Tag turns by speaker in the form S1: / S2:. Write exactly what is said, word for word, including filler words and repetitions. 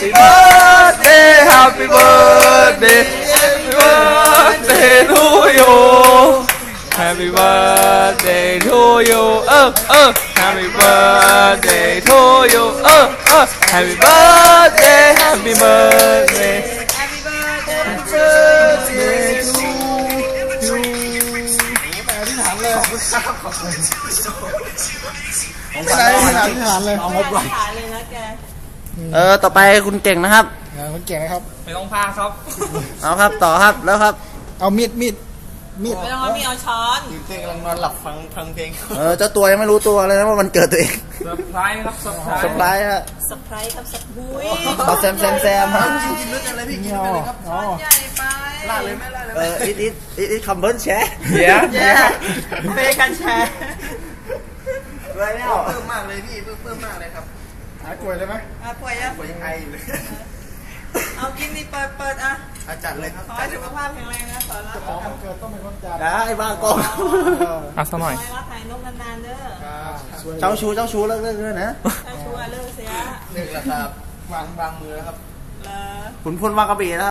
S1: Happy birthday Happy birthday Happy birthday to you Happy birthday to you เออเออ Happy birthday to you เออเออ Happy birthday Happy birthday
S2: Happy birthday
S1: Happy birthday to you
S3: ไม่ได้ไม่ได้ที่ฐานเลยเอางบ
S2: ไป
S3: ไว้
S2: ฐานเลยนะแก
S1: เออต่อไปคุณเก่งนะครับ
S3: คนเก่งนะครับ
S4: ไม่ต้องพาครับ
S1: เอาครับต่อครับแล้วครับ
S3: เอามีดมีดมีด
S2: ไม่ต้องเอามีเอาช้อน
S4: เพลงกำลังนอนหลับฟังฟังเพลง
S1: เออเจ้าตัวยังไม่รู้ตัวเลยนะว่ามันเกิดตัวเอง
S4: เซอร์ไพรส์ครับเซอร์ไพร
S1: ส
S4: ส์
S1: บายฮะ
S2: สไปร์ครับสปุย
S1: เอาแซมแซมแซมฮะ
S4: กินด้วยกันเลยพี่กิน
S3: เงา
S4: ด้วยกันเลยครับ
S3: อ๋อ
S2: ใหญ่ไป
S4: ลาดเลยไหมลาดเลย
S1: เอออิดอิดอิดอิดคัมเบิลแชร์
S4: เดี๋ยว
S2: แย่เฟกันแชร์
S1: ไรแล้ว
S4: เพิ่มมากเลยพี่เพิ่มเพิ่มมากเลยครับ
S3: หายป่วยเลยไหม
S2: อ่ะป่วยอ่ะ
S4: ผมยังไออยู่เลย
S2: เอากินนี่เปิดเปิดอ่ะ
S4: อาจัดเลยครับ
S2: ขอให้สุขภาพแข็งแรงนะสอนรัก
S3: ของมันเกิดต้องเป็นคนจ่าย
S1: ได้บ้ากอง
S4: เอาสักหน่อย
S2: ขอให้รักหายนกนานๆเด้อ
S1: เจ้าชู้เจ้าชู้เลิกเลิกเลยนะ
S2: ถ้าชัวร์เลิกเสีย
S4: หนึ่งแล้วครับวางวางมือแล้วครับ
S2: แล้ว
S1: ขุนพลวางกระบี่นะ